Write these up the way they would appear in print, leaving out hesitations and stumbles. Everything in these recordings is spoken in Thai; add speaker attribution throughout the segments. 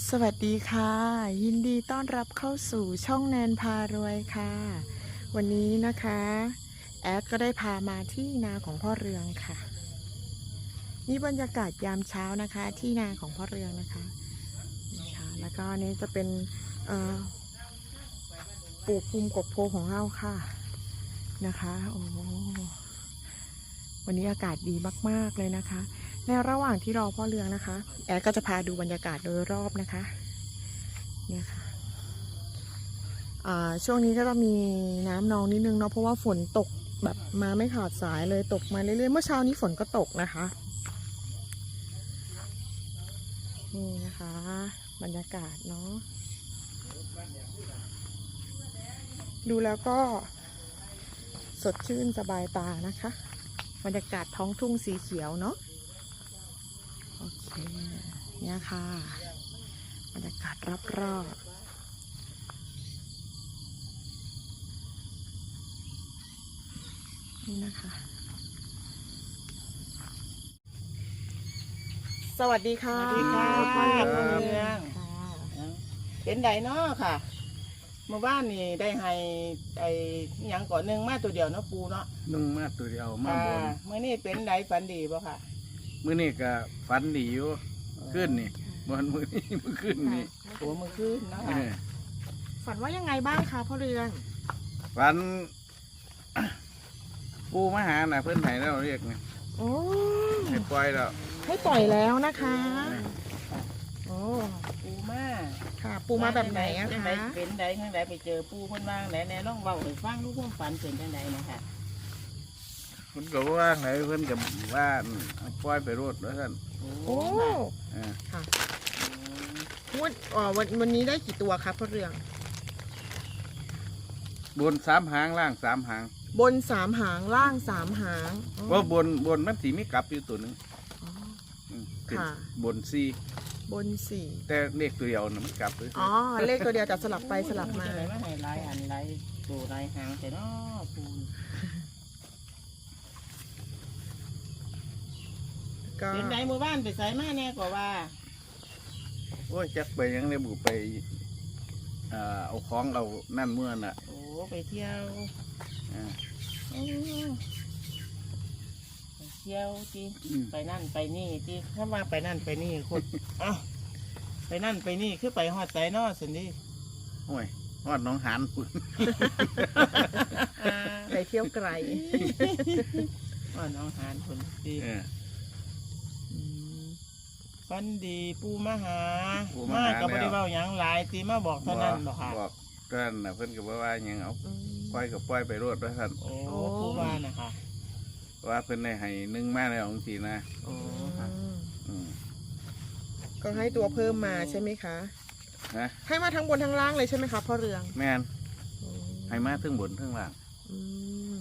Speaker 1: สวัสดีค่ะยินดีต้อนรับเข้าสู่ช่องแนนพารวยค่ะวันนี้นะคะแอดก็ได้พามาที่นาของพ่อเรืองค่ะนี่บรรยากาศยามเช้านะคะที่นาของพ่อเรืองนะคะนี่ค่ะแล้วก็นี่จะเป็นปลูกภูมิกบโพของเราค่ะนะคะโอ้วันนี้อากาศดีมากๆเลยนะคะในระหว่างที่รอพ่อเรืองนะคะแอดก็จะพาดูบรรยากาศโดยรอบนะคะเนี่ยค่ะช่วงนี้ก็จะมีน้ำนองนิดนึงเนาะเพราะว่าฝนตกแบบมาไม่ขาดสายเลยตกมาเรื่อยๆเมื่อเช้านี้ฝนก็ตกนะคะนี่นะคะบรรยากาศเนาะดูแล้วก็สดชื่นสบายตานะคะบรรยากาศท้องทุ่งสีเขียวเนาะโอเคเนี่ยค่ะบรรยากาศรอบๆนี่นะคะสวัสดีค่ะ
Speaker 2: สวัสดีค่ะ
Speaker 1: พ่อเรือง
Speaker 2: พ่อเรือง
Speaker 1: ค่ะ
Speaker 2: เป็นไดเนาะค่ะเมื่อวานนี่ได้ให้ไอ้หยังก่อนหนึ่งมาตัวเดียวเนาะปูเนาะ
Speaker 3: นึ่งมาตัวเดียวมาบน
Speaker 2: เมื่อนี้เป็นไดฝันดีป่ะค่ะ
Speaker 3: มื้อนี้ก็ฝันดีอยู่ขึ้นนี่บนมื้อนี้มื้อขึ้นนี่
Speaker 2: โอ้มือขึ้นเนาะ
Speaker 3: เอ
Speaker 2: ค่ะ
Speaker 3: อ
Speaker 1: ฝันว่ายังไงบ้างคะพ่อเรือง
Speaker 3: ฝัน ปูมาหาน่ะเพิ่นให้แล้วเรียกนี่
Speaker 1: โอ้
Speaker 3: ให้ปล่อยแล้ว
Speaker 1: ให้ปล่อยแล้วนะคะโอ้
Speaker 2: ปูมา
Speaker 1: ค่ะ ปูมาแบบไหนอะ
Speaker 2: จัง
Speaker 1: คะ
Speaker 2: ไดเป็นไดจังไดไปเจอปูเพิ่นว่างไหนแน่ลองเบาให้ฟังลูกความฝันเป็นจังไดนะคะ
Speaker 3: เพิ่นก็ว่าไงเพิ่นก็ว่าเอาปล่อยไปโรดว่าซั่น
Speaker 1: โอ้
Speaker 2: ค่ะ
Speaker 3: เออ
Speaker 1: ค่ะ
Speaker 2: อืม
Speaker 1: วันนี้ได้กี่ตัวครับพ่อเรือง
Speaker 3: บน3หางล่าง3หาง
Speaker 1: บน3 หางล่าง3 หางอ๋อ
Speaker 3: ว่าบนมันสิมีกลับอยู่ตัวหนึง
Speaker 1: อ๋อ
Speaker 3: เป็น
Speaker 1: ค่ะ
Speaker 3: บน4
Speaker 1: บน4
Speaker 3: แต่เลขตัวเดียวน่ะมันกลับเลย
Speaker 1: อ๋อเลขตัวเดียวแต่สลับไปสลับมา
Speaker 2: จังไดมาให้หลายอันหลายตัวหลายหางแต่เนาะปู
Speaker 1: ก็
Speaker 2: เป็นไดมือบ้านไปใส่มาแน่กว่าว่า
Speaker 3: โอ้ยจักไปยังได้บุไปเอาของเอานั่นเมื่อน่ะ
Speaker 2: โอ้ไปเที่ยว
Speaker 3: อ่า
Speaker 2: อืมไปเที่ยวจี
Speaker 3: อืม
Speaker 2: ไปนั่นไปนี่จีถ้าว่าไปนั่นไปนี่คน เอ้าไปนั่นไปนี่คือไปฮอดใจนอสินดิ
Speaker 3: โอ้ยฮอดหน้องหานพุ่น
Speaker 1: ไปเที่ยวไกล
Speaker 2: ฮอดน้องหานคนดี
Speaker 3: เออ
Speaker 2: ฟันดีปูมาหา
Speaker 3: ปู่มาหา
Speaker 2: กับ
Speaker 3: แล้ว
Speaker 2: บริเวาหยังหลายตีมาบอกเท่านั้นบอกค่ะ
Speaker 3: บอกเท่านั้นน่ะเพิ่นก็บอกว่าหยังเอา
Speaker 1: อืม
Speaker 3: ปล่อยก็ปล่อยไปโลดว่าซั่น
Speaker 2: โอ้
Speaker 1: โอ้
Speaker 2: ปูว่านะคะ
Speaker 3: ว่าเพิ่นได้ให้นึ่งมาแล้วจังซี่นะ
Speaker 2: โอ้
Speaker 3: อืม
Speaker 1: ก็ให้ตัวเพิ่มมาใช่ไหมคะ
Speaker 3: นะ
Speaker 1: ให้มาทั้งบนทั้งล่างเลยใช่ไหมคะพ่อเรือง
Speaker 3: แม่น
Speaker 1: อืม
Speaker 3: ให้มาถึงบนถึงล่าง
Speaker 1: อืม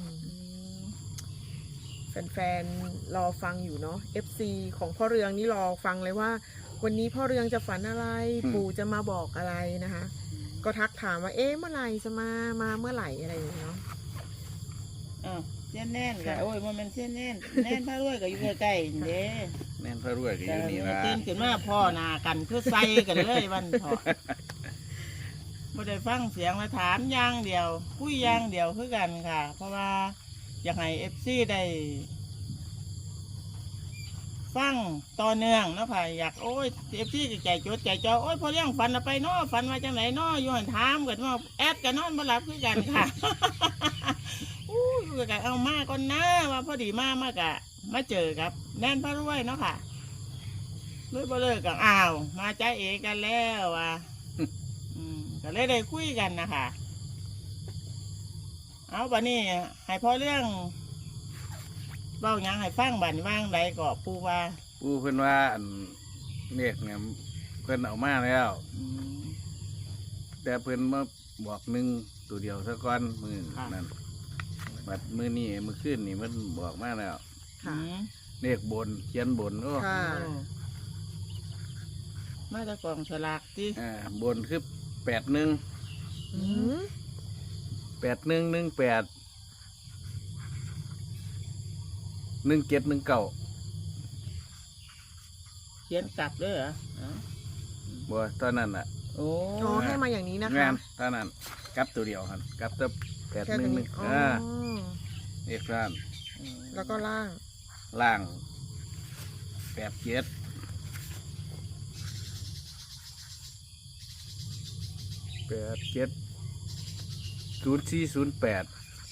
Speaker 1: แฟนๆรอฟังอยู่เนาะ FC ของพ่อเรืองนี่รอฟังเลยว่า วันนี้พ่อเรืองจะฝันอะไร ปู่จะมาบอกอะไรนะคะ ก็ทักถามว่าเอ๊ะเมื่อไหร่จะมาเมื่อไหร่อะไรอย่างเงี้ยเนาะ
Speaker 2: อ้าวเส้นแน่นค่ะโอ้ยมันเส้นแน่นแน่นพระรวยก็อยู่ใกล้ๆนี่เด้
Speaker 3: แม่นพระรวยก็อ
Speaker 2: แต่
Speaker 3: ยู่นี่ล่ะ
Speaker 2: ตื่นขึ้นมาพ่อหนากันเพื่อใส่กันเลยวันพอไม่ได้ฟังเสียงมาถามอย่างเดียวคุยอย่างเดียวคือกันค่ะ เพราะว่าอยากให้เอฟซีได้ฟังต่อเนื่องเนาะค่ะอยากโอ้ยเอฟซีใจจดใจจ่อโอ้ยพอเรื่องฝันเอาไปเนาะฝันมาจังไหนเนาะอยู่หันถามกันว่าแอดกันนอนมาหลับคือกันค่ะ อู้ยอยู่กันเอามาก่อนนะว่าพอดีมากะมาเจอกับแน่นพระรวยเนาะค่ะ เลยบ่เลิกกันอ้าวมาใจเอกันแล้วว่ะ ก็เลยได้คุยกันนะคะเอาบัดนี้ให้พอเรื่องเบ้าหยังให้ฟังบัดนว่างใดก็ปูว่า
Speaker 3: ปู่เพิ่นว่าอันเลขเนี่ยเพิ่นเอามาแล้ว
Speaker 2: อืม
Speaker 3: แต่เพิ่นมาบอกหนึ่งตัวเดียวซะก่อนมื้อ
Speaker 2: ค่ะ
Speaker 3: นั้นบัดมื้อนี้มื้อคืนนี่มันบอกมาแล้ว
Speaker 1: ค่ะ
Speaker 2: อืม
Speaker 3: เลขบนเขียนบนโอ้
Speaker 1: ค่ะ
Speaker 2: โอ้มาจากกองฉลากจี
Speaker 3: บนคือ81
Speaker 1: อืม
Speaker 3: 8118 1719
Speaker 2: เขียนกลับด้วยเหรออ๋อ
Speaker 3: บ่ตอนนั้นน่ะ
Speaker 2: โอ้
Speaker 1: อ๋อให้มาอย่างนี้นะ
Speaker 3: แม่
Speaker 1: คะ
Speaker 3: นตอนนั้นกลับตัวเดียวหั่นกลับตัว
Speaker 1: แค่
Speaker 3: 8
Speaker 1: ตัว
Speaker 3: 1
Speaker 1: นี้
Speaker 3: 1
Speaker 1: อ๋อ
Speaker 3: เอกร้าน
Speaker 1: แล้วก็ล่าง
Speaker 3: ล่าง87 0408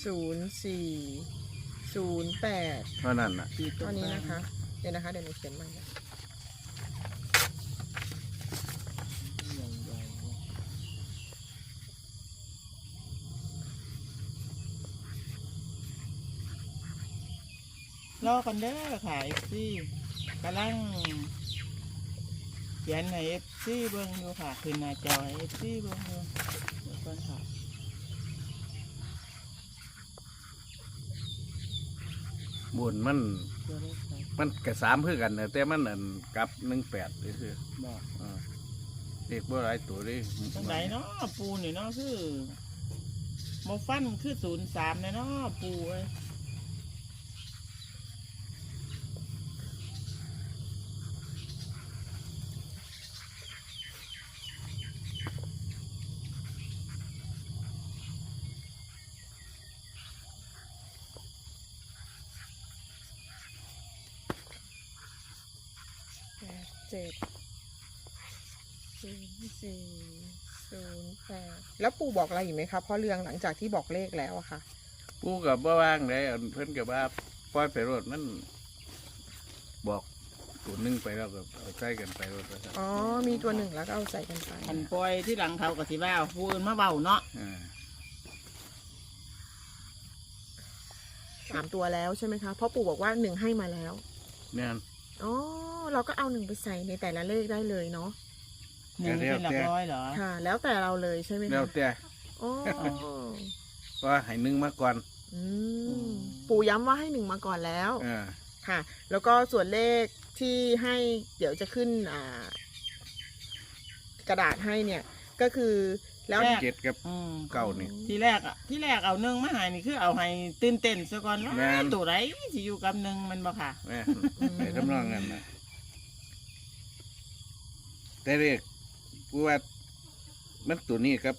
Speaker 1: 0408
Speaker 3: เท่านั้นน่ะ
Speaker 2: ขีดตร
Speaker 1: ตัว
Speaker 2: ง
Speaker 1: นี้
Speaker 2: กลาง
Speaker 1: นะคะ เดี๋ยวนะคะ เดี๋ยวหนูเขียนใหม่นะ
Speaker 2: ใหญ่ๆรอกันเด้อค่ะเอฟซีกำลังเขียนให้เอฟซีเบิ่งอยู่ค่ะขึ้นหน้าจอให้เอฟซีเบิ่งอยู่เดี๋ยวก่อนค่ะ
Speaker 3: บุญมัน
Speaker 2: ตัวเลขไป
Speaker 3: มันกระ3คือกันน่ะแต่มันอันกลับ18ซื่อ
Speaker 2: บอก
Speaker 3: เด็กบ่หลายตัวเด้
Speaker 2: ตรงไหนเนาะปูนี่เนาะคือโมฟันคือ03เนาะปูเอ้ย
Speaker 1: 870408แล้วปู่บอกอะไรอีกไหมคะพ่อเรืองหลังจากที่บอกเลขแล้วอะค่ะ
Speaker 3: กูกับบ่ว่างได้อันเพิ่นกับว่าปล่อยไปรถมันบอกตัวหนึงไปแล้วก็เอาใส่กันไปรถแล้ว
Speaker 1: อ๋อ มีตัวหนึ่งแล้วก็เอาใส่กันไป
Speaker 2: อันปล่อยที่หลังเขาก็สิว่าปูอื่นมาเบาเนาะ
Speaker 1: 3 ตัวแล้วใช่ไหมคะเพราะปู่บอกว่า1ให้มาแล้ว
Speaker 3: เนี่ย
Speaker 1: อ๋อ เราก็เอา1ไปใส่ในแต่ละเลขได้เลยเนาะ
Speaker 2: หนึ่งเป็นหลักร้อยเหรอ
Speaker 1: ค่ะ แล้วแต่เราเลยใช่ไหม
Speaker 3: แล้ว
Speaker 1: คะ
Speaker 3: แต่
Speaker 1: อ๋อ
Speaker 3: ว่าให้หนึ่งมาก่อน
Speaker 1: อืมปู่ย้ำว่าให้1มาก่อนแล้ว
Speaker 3: อ่า
Speaker 1: ค่ะ แล้วก็ส่วนเลขที่ให้เดี๋ยวจะขึ้นกระดาษให้เนี่ย ก็คือแล้ว
Speaker 3: เจ็ดกับ
Speaker 2: อืม
Speaker 3: เก้านี่
Speaker 2: ที่แรกเอาหนึ่งมาใหายนี่คือเอาให้ตื่นเต้นซะก่อนว่า
Speaker 3: แม่น
Speaker 2: ตัวไรสิอยู่กับหนึ่งมันบ่ค่ะ
Speaker 3: แม่ไปทำนองนั้นนะแต่เรียกกูว่ามันตัวนี้ครับ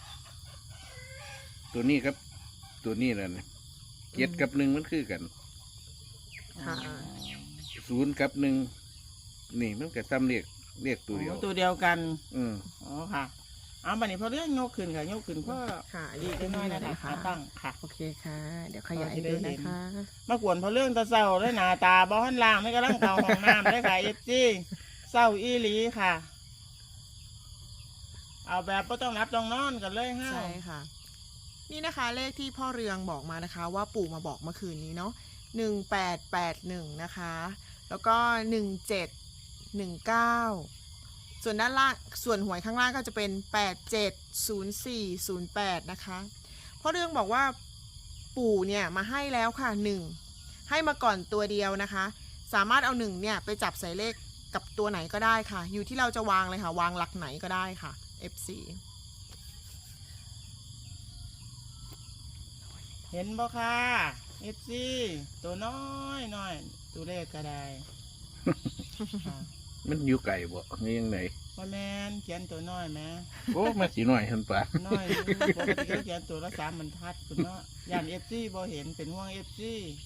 Speaker 3: ตัวนี้ครับ ตัวนี้แหละเนี่ยเจ็ดกับหนึ่งมันคือกัน
Speaker 1: ค่ะ
Speaker 3: 0กับ1นี่มันก็ซ้ำเรียกตัวเดียว
Speaker 2: ตัวเดียวกัน
Speaker 3: อืม
Speaker 2: อ๋อค่ะ เอาบัดนี้พอเรื่องยกขึ้นค่ะยกขึ้นก็
Speaker 1: ค่ะ
Speaker 2: ดีขึ้นน้อยนะคะขาตั้งค่ะ
Speaker 1: โอเคค่ะ เดี๋ยวขยายดูนะคะ
Speaker 2: มากวนพอเรื่องตาเศร้าด้วยหน้าตาบ้านล่างไม่กำลังเตาห้องน้ำด้วยค่ะเอฟซีเศร้าอีหลีค่ะ เอาแบบก็ต้องรับต้องนอนกันเลยฮะ
Speaker 1: ใช่ค่ะ นี่นะคะเลขที่พ่อเรืองบอกมานะคะ ว่าปู่มาบอกเมื่อคืนนี้เนาะ1881นะคะ แล้วก็1719ส่วนด้านล่างส่วนหวยข้างล่างก็จะเป็น870408นะคะพ่อเรืองบอกว่าปู่เนี่ยมาให้แล้วค่ะ1ให้มาก่อนตัวเดียวนะคะ สามารถเอา1เนี่ยไปจับใส่เลขกับตัวไหนก็ได้ค่ะ อยู่ที่เราจะวางเลยค่ะ วางหลักไหนก็ได้ค่ะ FC
Speaker 2: เห็นบ่ค่ะเอฟซีตัวน้อยน้อยตัวเลขก็ได้ ค่ะ
Speaker 3: มันอยู่ไกลบ่นี่ยังไง
Speaker 2: ว่าแมนเขียนตัวน้อยแหม่
Speaker 3: โอ้มาสีหน่อยทันปะ
Speaker 2: น้อยอยู่ปกติเขาเขียนตัวละ3 บรรทัดคุณเนาะย่านเอฟซีบ่เห็นเป็นห่วงเอฟซี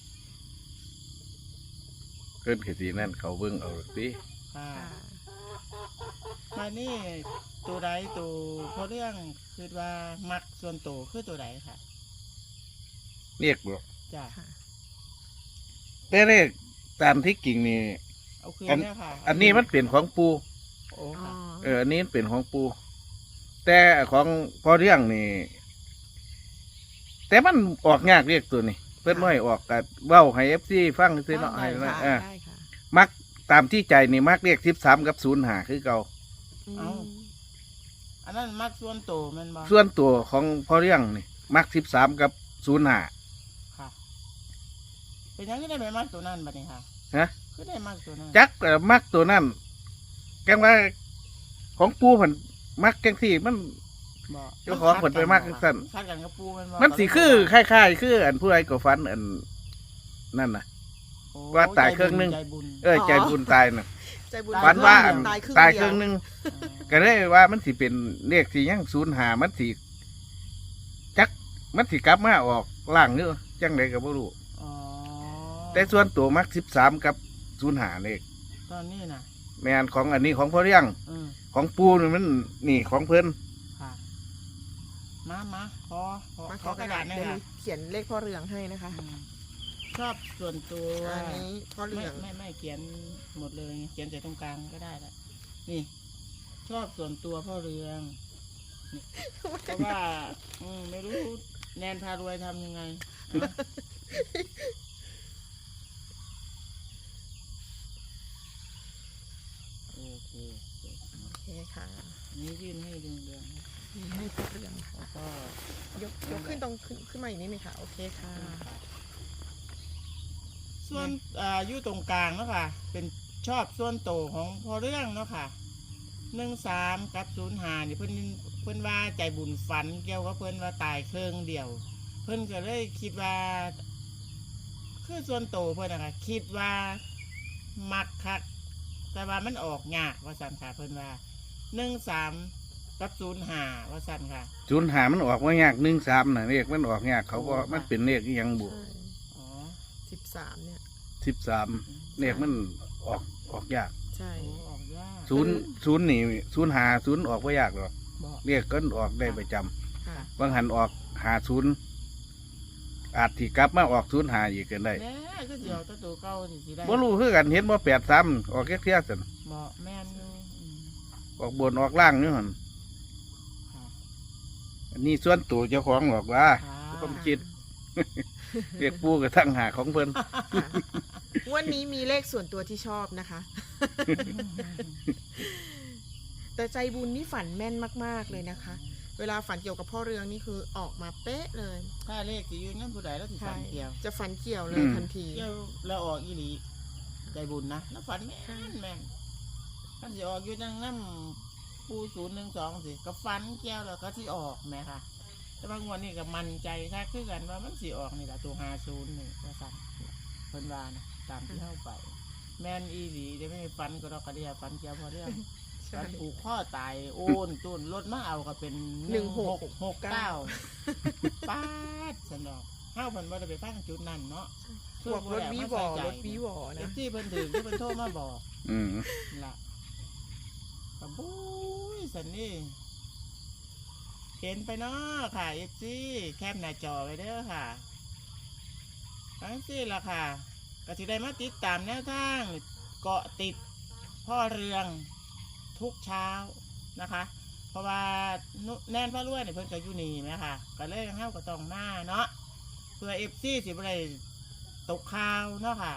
Speaker 3: เกินขีดนั่นเขาเบิ่งเอาสิ
Speaker 2: ค่ะ มานี่ตัวใดตัวเพราะเรื่องคือว่ามักส่วนตัวคือตัวใดค่ะ
Speaker 3: เรียกบ่
Speaker 2: จ้ะ
Speaker 3: แต่เรียกตามที่กิ่งนี่
Speaker 2: เอาคืนเนี่ยค่ะ
Speaker 3: อันนี้มันเป็นของปู
Speaker 2: โอ้
Speaker 1: อ๋อ
Speaker 2: ค่ะ
Speaker 3: อันนี้เป็นของปู แต่ของพอเรื่องนี่ แต่มันออกยากเรียกตัวนี้เพิ่นไม่ออกกับเว้าให้ FC ฟังซื่อเนาะให้
Speaker 1: ได้
Speaker 3: นะ
Speaker 1: ค่ะได้ค่ะ
Speaker 3: มักตามที่ใจนี่มักเรียก13กับ05คือเก่า
Speaker 1: อืม
Speaker 2: อันนั้นมักส่วนตัวแมันบ่
Speaker 3: ส่วนตัวของพอเรื่องนี่มัก13กับ05
Speaker 2: ค่ะ เป็นยังไงได้ไปมักตัวนั้นบัดนี้ค่ะ
Speaker 3: ฮะ
Speaker 2: คือได้มักตัวนั้น
Speaker 3: จักมักตัวนั้นแกงว่าของปูเพิ่นมักจังซี่มัน
Speaker 2: บ่
Speaker 3: เจ้าของเพิ่นไปมักจังซั่น
Speaker 2: คัดกันกับปูแมันบ่
Speaker 3: มันสิคือคล้ายๆคืออันผู้ใดก็ฝันอันนั่นน่ะ
Speaker 2: โอ้
Speaker 3: ว่าตายเครื่องนึง
Speaker 2: ใจบุญ
Speaker 3: ใจบุญตายน่ะ
Speaker 1: ใจบุญ
Speaker 3: ฝันว่าอัน
Speaker 1: ตายครึ่ง
Speaker 3: ตาย
Speaker 1: เดี
Speaker 3: ค
Speaker 1: ยว
Speaker 3: รึ่งหนึงก็เลยว่ามันสิเป็นเลขที่ยัง05มันสิจักมันสิกลับมาออกล่างเด้อจังไดก็บ่รู้
Speaker 2: อ๋อ
Speaker 3: แต่ส่วนตัวมัก13กับ05เลข
Speaker 2: ตอนนี้นะ
Speaker 3: แม่นของอันนี้ของพ่อเลี้ยง
Speaker 2: อืม
Speaker 3: ของปูนี่มันนี่ของเพิ่น
Speaker 2: ค่ะมาขอ
Speaker 1: มา
Speaker 2: ขอกระดาษหนะ
Speaker 1: เดี๋ยว
Speaker 2: คะ
Speaker 1: เขียนเลขพ่อเรืองให้นะคะ
Speaker 2: อืมชอบส่วนตัว
Speaker 1: อันนี้พ่อเรื
Speaker 2: ไม่
Speaker 1: อง
Speaker 2: ไม่เขียนหมดเลยเขียนแต่ตรงกลางก็ได้แหละนี่ ชอบส่วนตัวพ่อเรืองนี่เพราะว่าไม่รู้แนนพารวยทำยังไงนะโอเค
Speaker 1: โอเคค่ะ
Speaker 2: นี่ยื่นให้เรือง
Speaker 1: นี่ให้พ่อเรืองค่ะ
Speaker 2: แล้วก็
Speaker 1: ยกขึ้นตรงขึ้นมาอีกนิดนึงค่ะโอเคค่ะ
Speaker 2: ส่วนอยู่ตรงกลางเนาะค่ะ เป็นชอบส่วนโตวของพอเรื่องเนาะค่ะ13กับ05นี่เพิ่นว่าใจบุญฝันเกี่ยวกับเพิ่นว่าตายเครื่องเดียว เพิ่นก็เลยคิดว่า คือส่วนโตวเพิ่นนะคะคิดว่ามักคักแต่ว่ามันออกยากว่าสั่นค่ะเพิ่นว่า13กับ05ว่าสั่นค่ะ
Speaker 3: 05มันออกบ่ยาก13น่ะเลขมันออกยากเขาก็
Speaker 2: โอ้ค่ะ
Speaker 3: มันเป็นเลขอีหยังบุ
Speaker 1: ใช่
Speaker 2: อ๋อ
Speaker 1: 13เนี่ย
Speaker 3: 13เลขมันออกยาก
Speaker 1: ใช่
Speaker 2: โอ้ออกยาก
Speaker 3: 0นี่05 0ออกบ่ยากหรอก
Speaker 2: บอก
Speaker 3: เลขก็ออกได้ประจำ
Speaker 1: ค่ะ
Speaker 3: บางหันออก50อาจสิกลับมาออก05อีกก็ได้
Speaker 2: แน่ก็สิเอาตัวเก่าสิได้
Speaker 3: บ่รู้คือกันเห็นบ่83ออกแค่เที่ยซั่น
Speaker 2: เหมาะแม่นอยู่
Speaker 3: ออกบนออกล่างนี่หั่น
Speaker 2: ค่ะ
Speaker 3: อันนี้ส่วนตัวเจ้าของหรอกว่า
Speaker 2: ค่ะ
Speaker 3: ผมคิด เรียกปูกับทั้งหาของเพิ่น
Speaker 1: ค่ะวันนี้มีเลขส่วนตัวที่ชอบนะคะ แต่ใจบุญนี่ฝันแม่นมากๆเลยนะคะ เวลาฝันเกี่ยวกับพ่อเรืองนี่คือออกมาเป๊ะเลย
Speaker 2: ถ้าเลขสิอยู่นั่นผู้ใดแล้วสิฝั
Speaker 1: ใช่
Speaker 2: นเกี่ยว
Speaker 1: จะฝันเกี่ยวเลยทันที
Speaker 2: เกี่ยวแล้วออกอีหลีใจบุญนะแล้วฝันแม่นแม่นท่านสิออกอยู่จังน้ำปู012สิก็ฝันเกี่ยวแล้วก็ที่ออกแหม่ค่ะ แต่บางวันนี่ก็มั่นใจค่ะคือกันว่ามันสิออกนี่แหละตัว50นี่ว่าสั่นเพิ่นว่านะตามที่เข้าไป แม่นอีหลีได้ไม่ฝันก็ดอกกระเดียฝันเกี่ยวพอเรื่อง
Speaker 1: ใช่
Speaker 2: ฝันผูกข้อตายโอนตุนรถมาเอาก็เป็น
Speaker 1: 1669
Speaker 2: ป้าดสนอกเฮาเพิ่นบ่ได้ไปฟังจุดนั้นเนาะ
Speaker 1: พวกรถวีวอรถวีวอ
Speaker 2: เอ
Speaker 1: นะ
Speaker 2: ฟที่เพิ่นถึงที่เพิ่นโทรมาบอก
Speaker 3: อืม
Speaker 2: ล่ะกระบุ้ยสันนี่เห็นไปเนาะค่ะเอฟซีแคปหน้าจอไว้เด้อค่ะทั้งสี่ล่ะค่ะก็สิได้มาติดตามแนวทางเกาะติดพ่อเรืองทุกเช้านะคะ เพราะว่าแน่นพ่อรวยเนี่ยเพิ่นก็อยู่นี่ไหมค่ะก็เลยเฮาก็ต้องมาเนาะเพื่อเอฟซีสิบ่ได้ตกข่าวเนาะค่ะ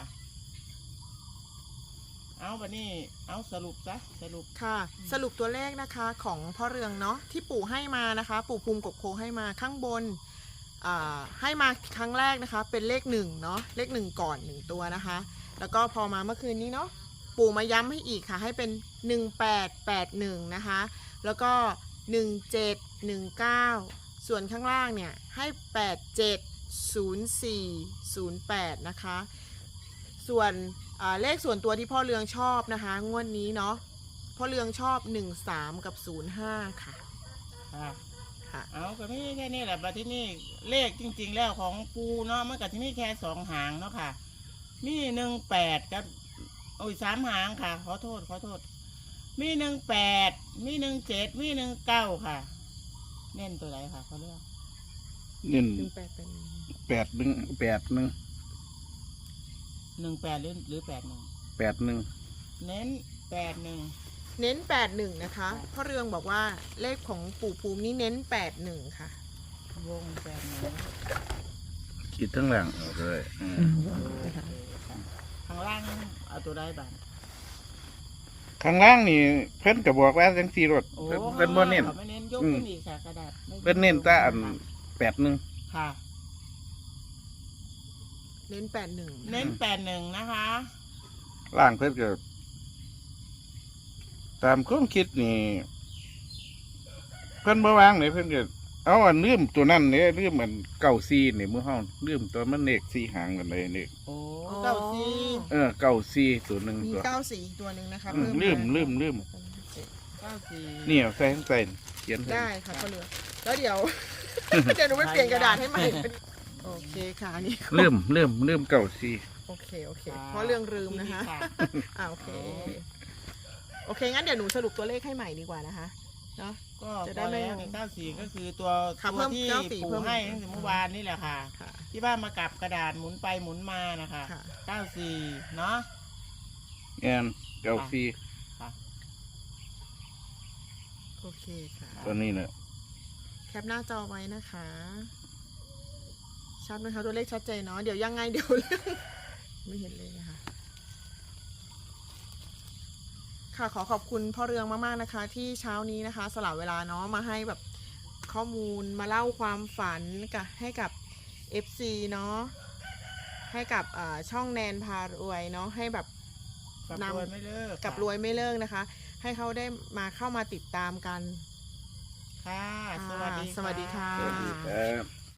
Speaker 2: เอาบัดนี้เอาสรุปซะสรุป
Speaker 1: ค่ะ สรุปตัวเลขนะคะของพ่อเรืองเนาะที่ปู่ให้มานะคะ ปู่ภูมิกบโคให้มาข้างบนให้มาครั้งแรกนะคะ เป็นเลข1เนาะเลข1ก่อน1ตัวนะคะ แล้วก็พอมาเมื่อคืนนี้เนาะปู่มาย้ำให้อีกค่ะ ให้เป็น1881นะคะแล้วก็1719ส่วนข้างล่างเนี่ยให้870408นะคะส่วนเลขส่วนตัวที่พ่อเรืองชอบนะคะงวดนี้เนาะพ่อเรืองชอบ13กับ05ค่ะ
Speaker 2: ค่ะ
Speaker 1: ค่ะ
Speaker 2: เอาก็มีแค่นี้แหละบัดที่นี่เลขจริง ๆ แล้วของปูเนาะมันก็ที่มีแค่2 หางเนาะค่ะ มี18กับโอ้ย3 หางค่ะ ขอโทษมี18มี17มี19ค่ะ เน้นตัวไหนค่ะเขาเลือก
Speaker 3: นี่
Speaker 1: 18เป็น
Speaker 3: 81
Speaker 2: 18หรือ81
Speaker 3: 81
Speaker 2: เน้น81
Speaker 1: เน้น81นะคะพ่อเรืองบอกว่าเลขของปู่ภูมินี่เน้น81ค่ะ
Speaker 2: วง81
Speaker 3: คิดทั้งหลังออกเลยอืม
Speaker 2: ข้างล่างเอาตัวได้บ้าง
Speaker 3: ข้างล่างนี่เพิ่นก็บอกว่าจังซี่รถ
Speaker 2: โอ้
Speaker 3: เพิ่นบ่เน้น
Speaker 2: ขาไม่เน้นยกขึ้นอีกค่ะกระดาษไม่
Speaker 3: เพิ่นเน้นแต่อัน81
Speaker 2: ค่ะ
Speaker 1: เน้น81
Speaker 2: เน้น81นะคะ
Speaker 3: ล่างเพิ่นก็ตามความคิดนี่เพิ่นบ่วางเลยเพิ่นก็เอาอันลืมตัวนั้นเนี่ยลืมอันเก้าซีนี่มือห้องลืมตัวมันเลข4หางกันเลยนี่
Speaker 2: โอ้เก้าสี่
Speaker 3: เก้าซีตัวหนึ่ง
Speaker 1: มี
Speaker 3: ตัว
Speaker 1: 94อีกตัวหนึ่งนะคะ
Speaker 3: อืมลืม
Speaker 2: เก้าสี่
Speaker 3: นี่เอาใส่ข้างใต้เขียนใส่
Speaker 1: ได้ค่ะพ่อเรืองแล้วเดี๋ยว เดี๋ยวหนูไปเปลี่ยนกระดาษให้ใหม่เป็นโอเคค่ะอันนี่
Speaker 3: ลืมเก้าซี
Speaker 1: โอเคเพราะเรื่องลืมนะคะ โอเคงั้นเดี๋ยวหนูสรุปตัวเลขให้ใหม่ดีกว่านะคะเนาะ
Speaker 2: ก็
Speaker 1: จะ
Speaker 2: จะ
Speaker 1: ได้
Speaker 2: ได้
Speaker 1: ไม่
Speaker 2: ไม่เก้าสี่ก็คือตัว
Speaker 1: ค่ะ
Speaker 2: ตั
Speaker 1: เพิ่
Speaker 2: ว
Speaker 1: ม
Speaker 2: ที่
Speaker 1: 94
Speaker 2: ปู่
Speaker 1: เพิ่ม
Speaker 2: ให้ตั้งแต่เมื่อวานนี่แหละค่ะ
Speaker 1: ค่ะ
Speaker 2: ที่บ้านมากับกระดาษหมุนไปหมุนมานะคะ
Speaker 1: ค่ะ
Speaker 2: เก้าสี่เนาะ
Speaker 3: แอนเก้าซี
Speaker 1: โอเคค่ะ
Speaker 3: ตัวนี้เนี่ย
Speaker 1: แคปหน้าจอไว้นะคะชัดไหมคะตัวเลขชัดเจนเนาะเดี๋ยวยังไงเดี๋ยวเรื่องไม่เห็นเลยนะคะค่ะขอขอบคุณพ่อเรืองมากๆนะคะ ที่เช้านี้นะคะสละเวลาเนาะมาให้แบบข้อมูลมาเล่าความฝันกับให้กับ FC เนาะให้กับช่องแนนพารวยเนาะให้แบบ
Speaker 2: กับ
Speaker 1: นำ
Speaker 2: รวยไม่เลิก
Speaker 1: กับรวยไม่เลิกนะคะ ให้เขาได้มาเข้ามาติดตามกัน
Speaker 2: ค่ะ สวัสดี
Speaker 1: สวัสดีค่ะ
Speaker 3: สวัสดีครับ